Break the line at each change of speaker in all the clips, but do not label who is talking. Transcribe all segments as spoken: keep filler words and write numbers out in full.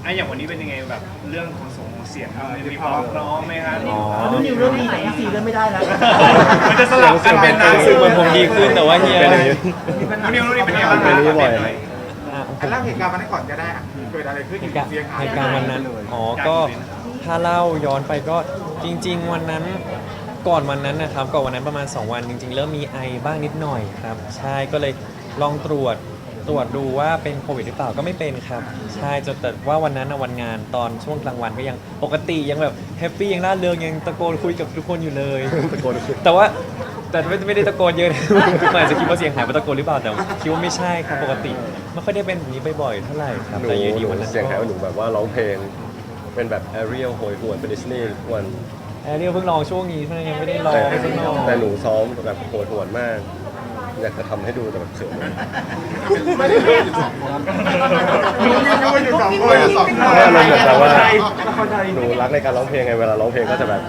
อ่ะอย่างวันนี้เป็นยังไงแบบเรื่องของส่งของเสียงมีความพร้อมไหมครับ
อ๋อ
นุ่นนิวเรื่องนี้ไหนซีเรื่องไม่ได้แล้ว
มันจะสลับกันเป็นนะ
ซึ่งมันผมดีขึ้นแต่ว่าเฮีย
เป็นอย่างนี้
นุ่นนิวนุ่นนิวเป็นยังไงบ้าง
เป็นอย่างนี้บ่อย
หน่อย
อ่ะ
อันเล่าเหตุการณ์วันนั้นก่อนก็ได้อะเกิดอะไรขึ้น
เหตุการณ์
เสียงหาย
เหตุการณ์วันนั้นอ๋อก็ถ้าเล่าย้อนไปก็จริง ๆ วันนั้นก่อนวันนั้นนะครับก่อนวันนั้นประมาณสองวันจริง ๆ เริ่มมีไอบ้างนิดหน่อยครับใช่ก็เลยลองตรวจตรวจดูว่าเป็นโควิดหรือเปล่าก็ไม่เป็นครับใช่จนแต่ว่าวันนั้นนะวันงานตอนช่วงกลางวันก็ยังปกติยังแบบแฮปปี้ยังร่าเริงยังตะโกนคุยกับทุกคนอยู่เลย
ตะโกนคุย
แต่ว่าแต่ไม่ไม่ได้ตะโกนเยอะนะ มันอาจจะคิดว่าเสียงหายเพราะตะโกนหรือเปล่าแต่คิดว่าไม่ใช่ครับปกติไม่ค่อยได้เป็นแบบนี้บ่อยๆเท่าไหร่ครับ
หนู
แต่อยูดี
หนู
วันนั้น
เสียงหายว่าหนูแบบว่าร้องเพลง เป็นแบบแอเรียลโหยหวนเป็นดิสนีย์ทุกวัน
แอร์เรียลเพิ่งลองช่วงนี้เท่านั้นยังไม่ได้ลอง
แต่
ไม่ได้ลอง
แต่หนูซ้อมแบบโหยหวนมาก อยากจะทำให้ดูแต่แบบเขิน
ไม่ได้เล่นอยู่สองคนนุ่นนิวอยู่สองคนสองคน
ไม่อารมณ์แบบแต่ว่าหนูรักในการร้องเพลงไงเวลาร้องเพลงก็จะแบบ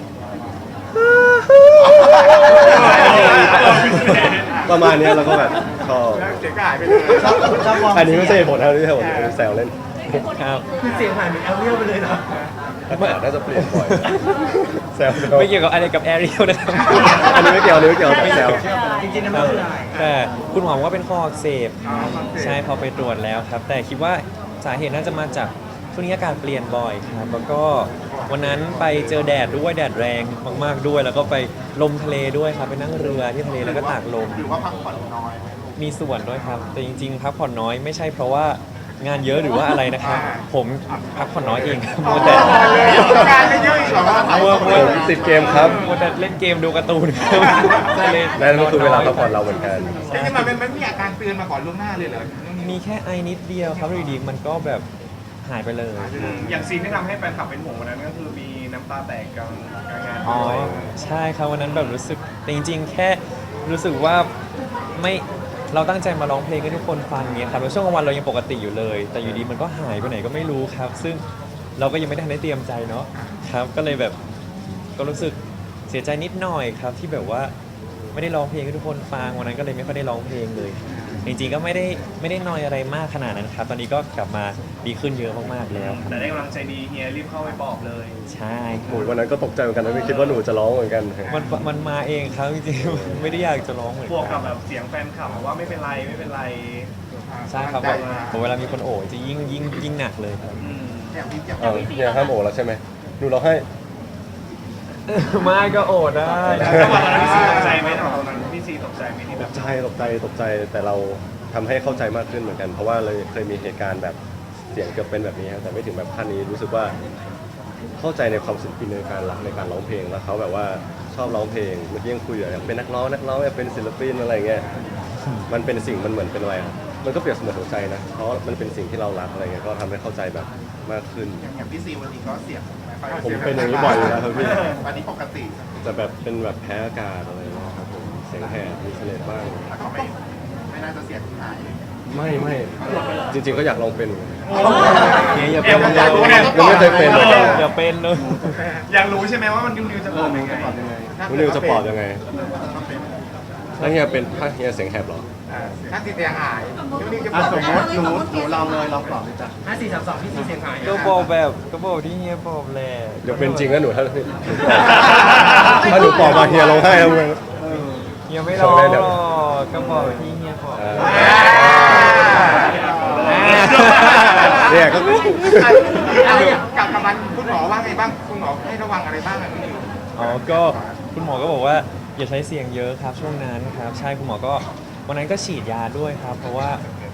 ประมาณเนี้ยแล้วก็แบบชอบ
แล้วเสียงก็หายไปเลย
อันนี้ไม่ใช่เหตุผลนะไม่ใช่เหตุผลแซวเล่น
ครับ
คือเสียงหายเหมือนแอลเรียลไปเลยเหรอ
อากาศน่าจะเปลี่ยนบ่อยแซว
ไม่เกี่ยวกับอะไรกับแอร์เรียลนะครับ
อันนี้ไม่เกี่ยวอันนี้ไม่เกี่ยวแต่แซว
จริงๆนะไม่เป็นไร
แต่คุณหมอบอกว่าเป็นคออักเสบใช่พอไปตรวจแล้วครับ แต่คิดว่าสาเหตุน่าจะมาจากช่วงนี้อากาศเปลี่ยนบ่อยครับแล้วก็วันนั้นไปเจอแดดด้วยแดดแรงมากๆด้วย แล้วก็ไปลมทะเลด้วยครับไปนั่งเรือที่ทะเลแล้วก็ตากลม
หรือว่าพักผ่อนน้อย
มีส่วนด้วยครับ แต่จริงๆพักผ่อนน้อยไม่ใช่เพราะว่างานเยอะหรือว่าอะไรนะครับ ผมพักผ่อนน้อยเองครับมัวแต่
งานไม่เยอะอีกเหรอครับ
มัวมัว
ผมติดเกมครับ
มัวแต่เล่นเกมดูการ์ตูนครับเลย
นั่นก็คือเวลาพักผ่อนเราเหมือนกัน
จริงๆมันมันมีอาการเตือนมาก่อนล่วงหน้าเลยเหรอ
มีแค่ไอนิดเดียวครับอยู่ดีๆมันก็แบบหายไปเลย
อย่างซีนที่ทำให้แฟนคลับเป็นห่วงวันนั้นก็คือมีน้ำตาแตกกลางกลางงาน
อ๋อ
ด้วย
ใช่ครับวันนั้นแบบรู้สึกแต่จริงๆ แค่รู้สึกว่าไม่เราตั้งใจมาร้องเพลงให้ทุกคนฟังเงี้ยครับแล้วช่วงกลางวันเรายังปกติอยู่เลย แต่อยู่ดีมันก็หายไปไหนก็ไม่รู้ครับ ซึ่งเราก็ยังไม่ได้ทันได้เตรียมใจเนาะครับก็เลยแบบก็รู้สึกเสียใจนิดหน่อยครับที่แบบว่าไม่ได้ร้องเพลงให้ทุกคนฟังวันนั้นก็เลยไม่ค่อยได้ร้องเพลงเลย จริงๆก็ไม่ได้ไม่ได้นอยอะไรมากขนาดนั้นครับ ตอนนี้ก็กลับมาดีขึ้นเยอะมากๆแล้วครับ
แต่ได้กำลังใจดีเฮียรีบเข้าไปปลอบเลย
ใช่
โอ้ยวันนั้นก็ตกใจเหมือนกันนะไม่คิดว่าหนูจะร้องเหมือนกัน
มันมันมาเองครับจริงๆ ไม่ได้อยากจะร้องเหมือน
บวก
กั
กัน บแบบเสียงแฟนคลับบอกว่าไม่เป็นไรไม่เป็นไร
ใช่ครับแบบผมเวลามีคนโอบจะยิ่งยิ่งยิ่งหนักเลยครับ
อืม
อย่างที่จะ
เออเนี่ยห้ามโอแล้วใช่ไหมหนูร้องให้
ไม่ก็โอบได้
จังหวะนั้นพี่ซีตกใจไหมตอนนั้นพี่ซีตกใจไหมที่
ต
แบบ
กใจตกใจตกใจแต่เราทำให้เข้าใจมากขึ้นเหมือนกัน เพราะว่าเลยเคยมีเหตุการณ์แบบเสียงเกือบเป็นแบบนี้ครับแต่ไม่ถึงแบบขั้นนี้รู้สึกว่าเข้าใจในความศิลปินในการรักในการร้องเพลงแล้วเขาแบบว่าชอบร้องเพลงเมื่อกี้ยังคุยอยู่อยากเป็นนักร้องนักร้องอยากเป็นศิลปินอะไรเงี้ยมันเป็นสิ่งมันเหมือนเป็นอะไรครับมันก็เปรียบเสมือนหัวใจนะเพราะมันเป็นสิ่งที่เรารักอะไรเงี้ยก็ทำให้เข้าใจแบบมากขึ้น
อย่างพี่ซีวันนี้ก็เสียง
ผมเป็นอย่างนี้บ่อยอยู่แล้วครับพี่
วันนี้ปกติ
แต่แบบเป็นแบบแพ้อากาศอะไรเงี้ยครับผมเสียงแหบมีเสลดบ้าง
แต่ก็ไม่ไม่น่าจะเสียงหาย
ไม่ไม่จริงๆก็อยากลองเป็น
เนี่ยอย่าเป็น
อยากรู้
เลย
ไง
ยังไม่เคยเป็นเลย
อย่าเป็นเลย
อยากรู้ใช่ไหมว่ามันดิวดิวจะปลอบยังไง
คุณนิวจะปลอบยังไงถ้าเฮียเป็นถ้าเฮียเสียงแหบเหรอ
ถ้าติดเสียงหายนุ่นนิวจะป
อ่ะ
ลอบ
สมมติหนูหนูลองเลยลองตอบเลยจ้ะ
ห้าสี่สามสองพี่ซีเสียงหาย
ก็บอกแบบก็บอกที่เฮียบอกแหละ
เดี๋ยวเป็นจริงแล้วหนูถ้าถ้าหนูปลอบมาเฮียร้องไห้ทำไง
เฮียไม่ร้องหรอกก็บอกที่เฮียบอก
อ่าเนี่ยก็
อะไรอย่างกับกับมันคุณหมอว่าไงบ้างคุณหมอให้ระวังอะไรบ้างอะคุณนิว
อ๋อก็คุณหมอก็บอกว่าอย่าใช้เสียงเยอะครับช่วงนั้นครับ ใช่คุณหมอก็วันนั้นก็ฉีดยาด้วยครับ เพราะว่า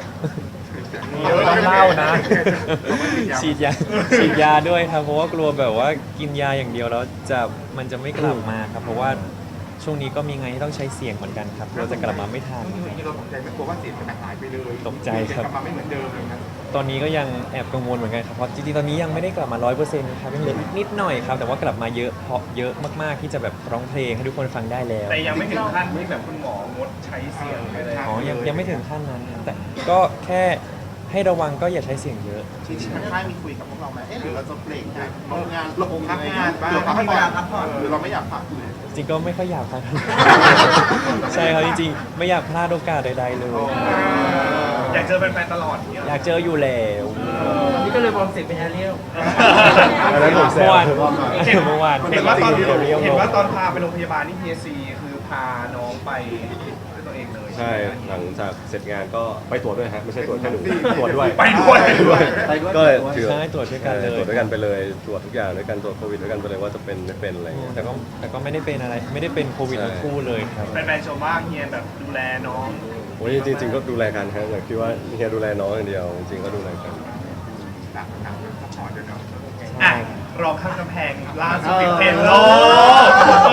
ต้องเล่านะ ฉีดยาฉีดยาด้วยครับ เพราะว่ากลัวแบบว่ากินยาอย่างเดียวแล้วจะมันจะไม่กลับมาครับ เพราะว่าช่วงนี้ก็มีงานที่ต้องใช้เสียงเหมือนกันครับเราจะกลับมาไม่ทัน
ที่เราตกใจไม่กลัวว่าเสียงจะหายไปเลย
ตกใจครับ
กลับมาไม่เหมือนเดิมเลยนะ
ตอนนี้ก็ยังแอบกังวลเหมือนกันครับเพราะจริงๆตอนนี้ยังไม่ได้กลับมาร้อยเปอร์เซ็นต์ครับยังเหลืออีกนิดหน่อยครับแต่ว่ากลับมาเยอะเพราะเยอะมากๆที่จะแบบร้องเพลงให้ทุกคนฟังได้แล้ว
แต่ยังไม่ถึงขั้นที่แบบคุณหมองดใช้เสียงไปเลย
อ๋อยังยังไม่ถึงขั้นนั้นครับแต่ก็แค่ให้ระวังก็อย่าใช้เสียงเยอะ
จริงๆทางค่ายมีคุยกับพวกเราไหมเอ๊ะหรือเราจะเบรกงานลงงาน
ลงพักงานบ้าง
หรือพักงานพักผ่อน
หรือเราไม่อยากพักเลย
จริงก็ไม่ค่อยอยากพลาด ใช่ครับจริงๆไม่อยากพลาดโอกาสใดๆเลย
เ
อยากเจอแฟนๆตลอดเนี่ย
อยากเจออยู่แล้ว
นี่ก็เลยวอร์มเสียงเป็นแอเรียล
อันนั้นผมแซ
เมื่อ
ว
วานเมื่อวาน
เห็นว่าตอน
เรียวๆ
เห็นว่าตอนพาไปโรงพยาบาลนี่ พี เอส ซี คือพาน้องไปด้วยตัวเองเลย
ใช่หลังจากเสร็จงานก็ไปตรวจด้วยฮะไม่ใช่ตรวจแค่หนูตรวจด้วย
ไปด้วย
ก็เลยถือ
ใช่ตรวจด้วยกันเลย
ตรวจด้วยกันไปเลยตรวจทุกอย่างด้วยกันตรวจโควิดด้วยกันไปเลยว่าจะเป็นไม่เป็นอะไรอย่างเงี้ย
แต่ก็แต่ก็ไม่ได้เป็นอะไรไม่ได้เป็นโควิด
ใช่
ทั้งคู่เลยครับ
แฟนๆชมว่าเฮียแบบดูแลน้อง
โอ้ยจริงๆก็ดูแลกันครับแต่คิดว่าเฮียดูแลน้องอย่างเดียวจริงๆก็ดูแลกัน
ต่างต่างซัพพอร์ตด้วยเนาะ
อ่ะรองข้างกำแพงล่าสุดติดเทรนด์โลก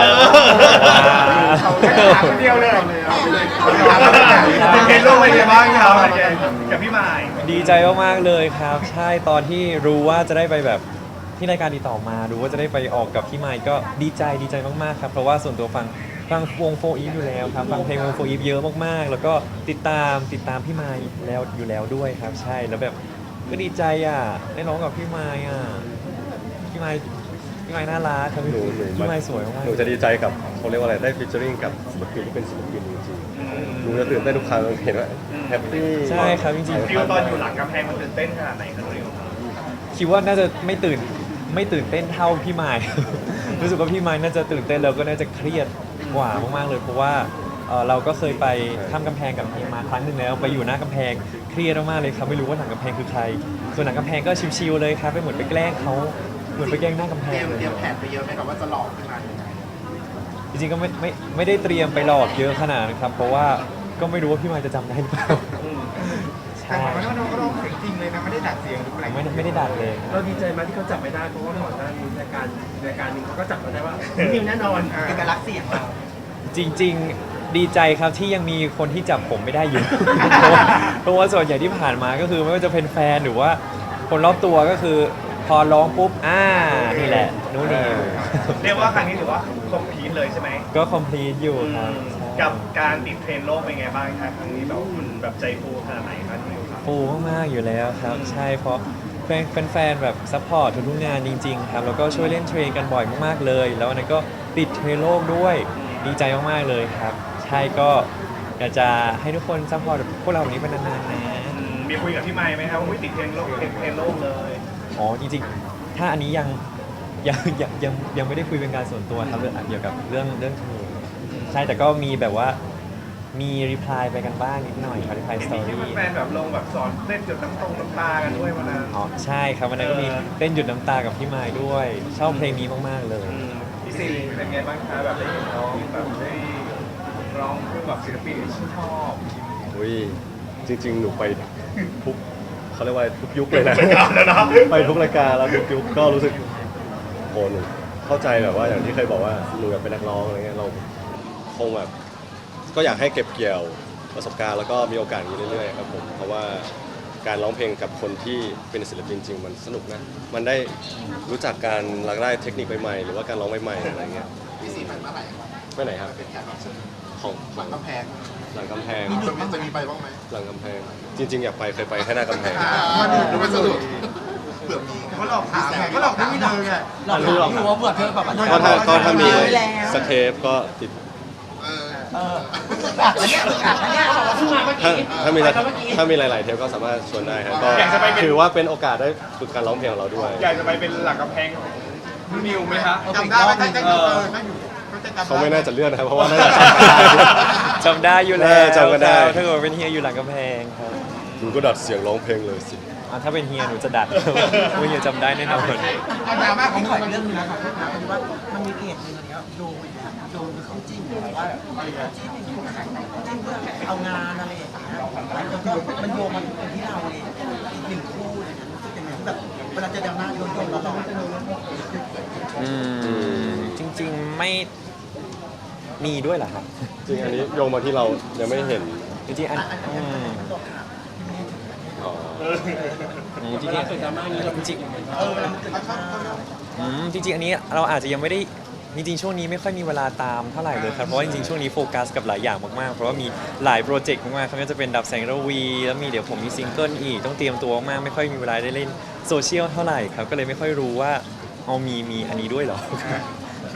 เขาแค่ถามคนเดียวเลยเอาไปเลย
ติดเทรนด์โลกเป็นไงบ้างครับกับพี่หมาย
ดีใจมากๆเลยครับ ใช่ตอนที่รู้ว่าจะได้ไปแบบที่รายการติดต่อมารู้ว่าจะได้ไปออกกับพี่ไมค์ก็ดีใจดีใจมากๆครับเพราะว่าส่วนตัวฟังฟังวงโฟอีฟอยู่แล้วครับฟังเพลงวงโฟอีฟเยอะมากๆ แล้วก็ติดตามติดตามพี่ไมค์แล้วอยู่แล้วด้วยครับ ใช่แล้วแบบก็ดีใจอ่ะได้ร้องกับพี่ไมค์อ่ะพี่ไมค์พี่ไมค์น่ารักครับ
หนูหนู
พี่ไมค์สวยมาก
หนูจะดีใจกับเขาเรียกว่าอะไรได้ฟิชเจอริงกับศิลปินที่เป็นศิลปินจริงๆหนูจะตื่นเต้นทุกครั้งเห็นว่าแฮปปี้
ใช่ครับจริง
ฟิลตอนอยู่หลังกำแพงมันตื่นเต้นขนาดไหนครับนิว
ๆคิดว่าน่าจะไม่ตื่นไม่ตื่นเต้นเท่าพี่ไมค์ รู้สึกว่าพี่ไมค์น่าจะตื่นเต้นแล้วก็น่าจะเครียดกว่ามากๆเลยเพราะว่าเอ่อเราก็เคยไปข้ามกำแพงกับเฮียมาครั้งหนึ่งแล้วไปอยู่หน้ากำแพงเครียดมากๆเลยครับไม่รู้ว่าหลังกำแพงคือใคร ส่วนหลังกำแพงก็ชิวๆเลยครับไปเหมือนไปแกล้งเขาเหมือนไปแกล้งหน้ากำแพ
เตรี
ง
ยม
เลย
เตรียมแผนไปเยอะไหมครับว่าจะหลอกขึ้นมายังไง
จริงๆก็ไม่ไม่ไม่ได้เตรียมไปหลอกเยอะขนาดนั้นครับเพราะว่าก็ไม่รู้ว่าพี่ไมค์จะจำได้หรือเปล่า
แต่
ใช่
มันก็น้องก็ร้องเสียงจริงเลยนะไม่ได้ดัดเสียงหรืออะไร
ไม่ได้ไม่ได้ดัดเลย
เราดีใจไหมที่เขาจับไม่ได้เพราะว่าก่อนหน้านี้รายการรายการหนึงเขาก็จับมาได้ว่านิวแน่นอนเอกลักษณ์เสียงเรา
จริงๆดีใจครับที่ยังมีคนที่จับผมไม่ได้อยู่ เพราะว่าเพราะว่าส่วนใหญ่ที่ผ่านมาก็คือไม่ว่าจะเป็นแฟนหรือว่าคนรอบตัวก็คือพอร้องปุ๊บอ่านี่แหละนู้นนี่
เรียกว่าครั้งนี้ถือว่าคอมพลีทเลยใช่ไหม
ก็คอมพลีทอยู่ครับ
กับการติดเทรนด์โลกเป็นไงบ้างครับครั้งนี้แบบมันแบบใจฟูขนาดไหนครับนิวครับ
ฟูมากๆอยู่แล้วครับ ใช่เพราะแฟนแฟนๆแบบซัพพอร์ตทุกๆงานจริงๆครับแล้วก็ช่วยเล่นเทรนกันบ่อยมากๆเลย แล้วอันนั้นก็ติดเทรนโลกด้วยดีใจมากๆเลยครับ ใช่ก็อยากจะให้ทุกคนซัพพอร์ตพวกเราแบบนี้เป็นนานๆนะ
อืมมีคุยกับพี่ไมค์ไหมครับว่าอุ๊ยติดเทรนด์โลกติดเทรนด์โลกเลย
อ๋อจริงๆ ถ้าอันนี้ยังยังยังยังยังไม่ได้คุยเป็นการส่วนตัวครับเรื่องเกี่ยวกับเรื่องเรื่องเทรนใช่แต่ก็มีแบบว่ามีรีプライไปกันบ้างนิดหน่อยครับรีプライสตอ
มี
รี่
แฟนๆแบบลงแบบสอนเล่นจุดน้ำตรงน้ำตากันด้วยวันนั้น
อ๋อใช่ครับวันนั้นก็มีเต้นหยุดน้ำตากับพี่ไม้ด้วย ชอบเพลงนี้มากๆเลย
อืมพี่ซีเป็นไงบ้างคะแบบได้เห็นน้องแบบได้ร้องคู่กับศิลปินที่ชอบ
อุ้ยจริง ๆ หนูไปทุกเขาเรียกว่าทุกยุคเลยนะ
รายการแล้วนะ
ไปทุกรายการแล้วทุกยุคก็รู้สึกโหหนูเข้าใจแบบว่าอย่างที่เคยบอกว่าหนูอยากเป็นนักร้องอะไรเงี้ยเราคงแบบก็อยากให้เก็บเกี่ยวประสบการณ์แล้วก็มีโอกาสอย่างนี้เรื่อยๆครับผมเพราะว่าการร้องเพลงกับคนที่เป็นศิลปินจริงมันสนุกนะมันได้รู้จักการรักได้เทคนิคใหม่ๆหรือว่าการร้องใหม่ๆอะไรเงี้ย
พี่ซีมันเมื่อไหร่
ไปไหนครับ
เป็นแขกรับเชิญ
ของข
หลั
อง
งกำแพง
หลังกำแพง
จะมีจะมีไปบ้างไหม
หลังกำแพงจริง ๆ อยากไปเคยไปแค่หน้ากำแพง
วันนี้ดูไม่สะดุดเผื่อมีเขาหลอกถามไงเขาหลอกถามเลยไง
เรารู้ว่าเบื่อเธอแบบว่า
ก็ถ้าก็ถ้ามี
แล้ว
สเคปก็ติด
เออ
เอออัดแล้วเนี่ยอัดแล้วเนี่ยเขาบอกว่าเพิ่งมาเมื่อ
ถ้า
กี้
ถ้ามี
ไปเมื่อกี้
ถ้ามีหลาย ๆ เทปก็สามารถชวนได้ครับก็ถือว่าเป็นโอกาสได้ฝึกการร้องเพลงของเราด้วย
อยากจะไปเป็นหลังกำแพงของนิวไหมคะ
จำได้ไหมถ้าจะอยู่เออถ้าอยู่เขาจะจำได้
เขาไม่น่าจะเลื่อนนะครับเพราะว่าน่าจะ
จำได้อยู่แล้ว
เออจำกันได้
ถ้าเกิดว่าเป็นเฮียอยู่หลังกำแพงครับ
หนูก็ดัดเสียงร้องเพลงเลยสิ
อ่ะถ้าเป็นเฮียหนูจะดัด ว่าเฮียจำได้แน่นอน
เอาดราม่าของ
ข
มั
อน เรื่องนึงนะครับพี่นะคือว่ามันมีเพจนึงเนี้ยโดนโดนเขาจิ้มแบบว่าจิ้มจิ้มเพื่อเอางานอะไรอย่างเงี้ยแล้วก็มันโยงมาถึงที่เราเลยอีกหนึ่งคู่อะไรเงี้ยรู้สึกยังไงแบบเวลาเจอดราม่าโดนโดนเราเรา
อืมจริงๆไม่มีด้วยเหรอครับ
จริงอันนี้โยงมาที่เรายังไม่เห็น
จริงๆอันอืม
อ๋อ
อืมจริงๆจริง
เออเวลามันเกิดดราม่า
ๆอืมจริงๆอันนี้เราอาจจะยังไม่ได้จริงๆช่วงนี้ไม่ค่อยมีเวลาตามเท่าไหร่เลยครับเพราะว่าจริงๆช่วงนี้โฟกัสกับหลายอย่างมากๆเพราะว่ามีหลายโปรเจกต์มากๆครับก็จะเป็นดับแสงระวีแล้วมีเดี๋ยวผมมีซิงเกิลอีกต้องเตรียมตัวมากไม่ค่อยมีเวลาได้เล่นโซเชียลเท่าไหร่ครับก็เลยไม่ค่อยรู้ว่าเอามีมีอันนี้ด้วยเหรอ
คื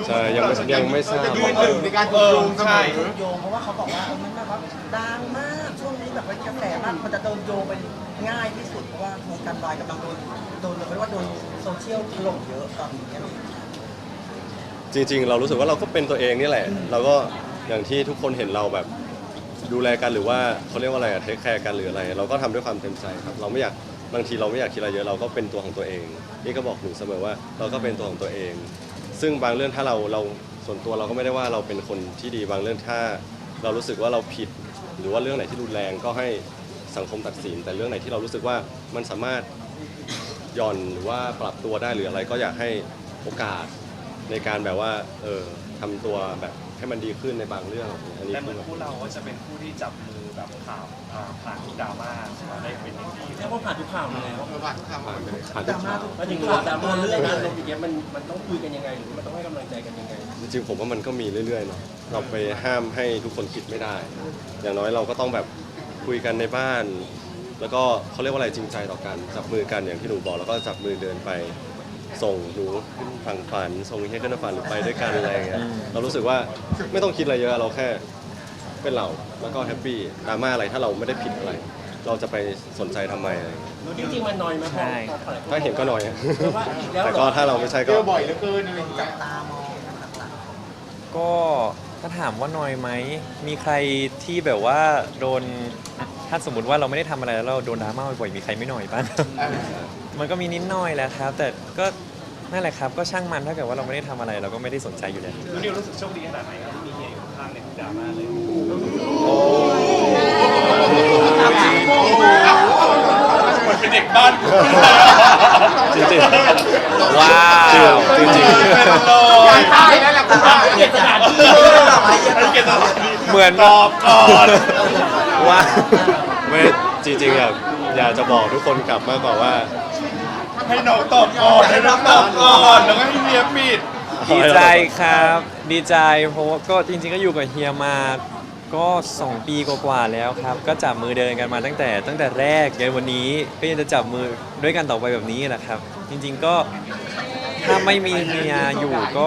ใช่ยังไม่ยังไม่ทราบ
ยืนหนึ่งในการถูกโยงเสมอ
ถูกโยงเพราะว่าเขาบอกว่าเออมันแบบว่าดังมากช่วงนี้แบบว่ากระแสมากมันจะโดนโยงไปง่ายที่สุดเพราะว่าวงการวายกำลังโดนโดนเรียกว่าโดนโซเชียลถล่มเยอะตอนนี้อะไรอย่างเงี้ย
จริงๆ เรารู้สึกว่าเราก็เป็นตัวเองนี่แหละ เราก็อย่างที่ทุกคนเห็นเราแบบดูแลกันหรือว่าเขาเรียกว่าอะไรอะเทคแคร์กันหรืออะไร เราก็ทำด้วยความเต็มใจครับ เราไม่อยากบางทีเราไม่อยากคิดอะไรเยอะเราก็เป็นตัวของตัวเอง นี่ก็บอกหนูเสมอว่าเราก็เป็นตัวของตัวเอง ซึ่งบางเรื่องถ้าเราเราส่วนตัวเราก็ไม่ได้ว่าเราเป็นคนที่ดีบางเรื่องถ้าเรารู้สึกว่าเราผิด หรือว่าเรื่องไหนที่รุนแรงก็ให้สังคมตัดสิน แต่เรื่องไหนที่เรารู้สึกว่ามันสามารถหย่อนหรือว่าปรับตัวได้หรืออะไรก็อยากให้โอกาสในการแบบว่าเออทำตัวแบบให้มันดีขึ้นในบางเรื่องอันนี้
แต่เหมื
คือ
อนคู่เราก็จะเป็นคู่ที่จับมือแบบข่าวอ่าผ่านดราม่ามาได้เป็นอย่างดี
เรียกว่าผ่านทุกข่าวมาแล้ว
เออผ่านทุกคำ
ผ่านไปผ่าน
ด
ทุ
ราก ม่า
ข่าว
ทุก
มาถึงข่าวดราม่าเรื่องอารมณ์อย่างเงี้ยมันมันต้องคุยกันยังไงหรือมันต้องให้กำลังใจกันยังไง
จริงๆผมว่ามันก็มีเรื่อยๆเนาะเราไปห้ามให้ทุกคนคิดไม่ได้ อย่างน้อยเราก็ต้องแบบคุยกันในบ้าน แล้วก็เขาเรียกว่าอะไรจริงใจต่อกันจับมือกันอย่างที่หนูบอกแล้วก็จับมือเดินไปส่งหนูขึ้นฝั่งฝันส่งเฮียขึ้นฝันหรือไปด้วยกันอะไรอย่างเงี้ยเรารู้สึกว่าไม่ต้องคิดอะไรเยอะเราแค่เป็นเราแล้วก็แฮปปี้ดราม่าอะไรถ้าเราไม่ได้ผิดอะไร เราจะไปสนใจทำไมอะไรอย่างเงี้ย
จริงๆมันน้อยไหมพอ
ใช่
พอหลายค
ถ้าเห็นก็น้อยอะ
เพราะว่าอีกแล้ว
แต่
เหร
ก็
อ
ถ้าเราไม่ใช่
เจ
ก็
อบ่อยเหลือเกินอะไรอย่างเงี้
จั
ย
บตามองกันหลัง
ก็ถ้าถามว่าน้อยไหมมีใครที่แบบว่าโดนถ้าสมมติว่าเราไม่ได้ทำอะไรแล้วเราโดนดราม่าบ่อยๆมีใครไม่หน่อยบ้าง มันก็มีนิดหน่อยแหละครับ แต่ก็นั่นแหละครับก็ช่างมันถ้าเกิดว่าเราไม่ได้ทำอะไรเราก็ไม่ได้สนใจอยู่แล้ว
แล้วนิวรู้สึกโชคดีขนาดไหนครับที่มีเฮียอยู่ข้างในทุกดราม่าเลยเหมือนเป็นเด็กบ้าน
จริงๆ
ว้าว
จริงๆ
เป็นโล
ย้ายค่ายแล้วแหละคุณป้า
เกียรติสถานที่
เก็บตัว
เหมือน
ตอบก่อน
ว่า
ไม่จริงๆอยากอยากจะบอกทุกคนกลับมากกว่าว่า
ให้น้องตอบก่อนให้น้องตอบก่อนแล้วก็ให้เฮียปิด
ดีใจครับ ดีใจเพราะว่าก็จริงๆก็อยู่กับเฮียมาก็สองปีกว่าๆแล้วครับ ก็จับมือเดินกันมาตั้งแต่ตั้งแต่แรกยันวันนี้ก็ยังจะจับมือด้วยกันต่อไปแบบนี้แหละครับ จริงๆก็ถ้าไม่มีเฮียอยู่ก็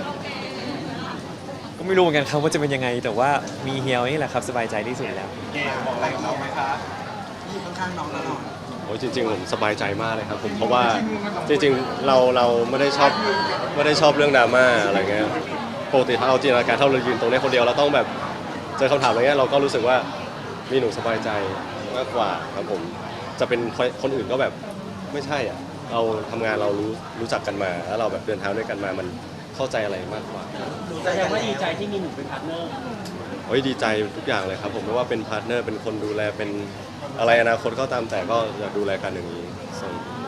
ก็ไม่รู้เหมือนกันครับว่าจะเป็นยังไง แต่ว่ามีเฮียนี่แหละครับสบายใจที่สุดแล้ว
เกมบอกอะไรกับน้องไหมคะ
ๆที่อยู่ข้างๆน้องตลอด
โอ้ยจริงๆผมสบายใจมากเลยครับผมเพราะว่าจริงๆเราเราไม่ได้ชอบไม่ได้ชอบเรื่องดราม่าอะไรเงี้ยปกติถ้าเอาจินตนาการถ้าเรายืนตรงนี้คนเดียวเราต้องแบบเจอคำถามอะไรเงี้ยเราก็รู้สึกว่ามีหนูสบายใจมากกว่าครับผมจะเป็นคนอื่นก็แบบไม่ใช่อ่ะเราทำงานเรารู้รู้จักกันมาแล้วเราแบบเดินทางด้วยกันมามันเข้าใจอะไรมากกว่า
แสดงว่าดีใจที่มีหนูเป็นพาร์ทเนอร์
โอ้ยดีใจทุกอย่างเลยครับผมไม่ว่าเป็นพาร์ทเนอร์เป็นคนดูแลเป็นอะไรอนาคตก็ตามแต่ก็อยากดูแลกันอย่างนี้ส่ง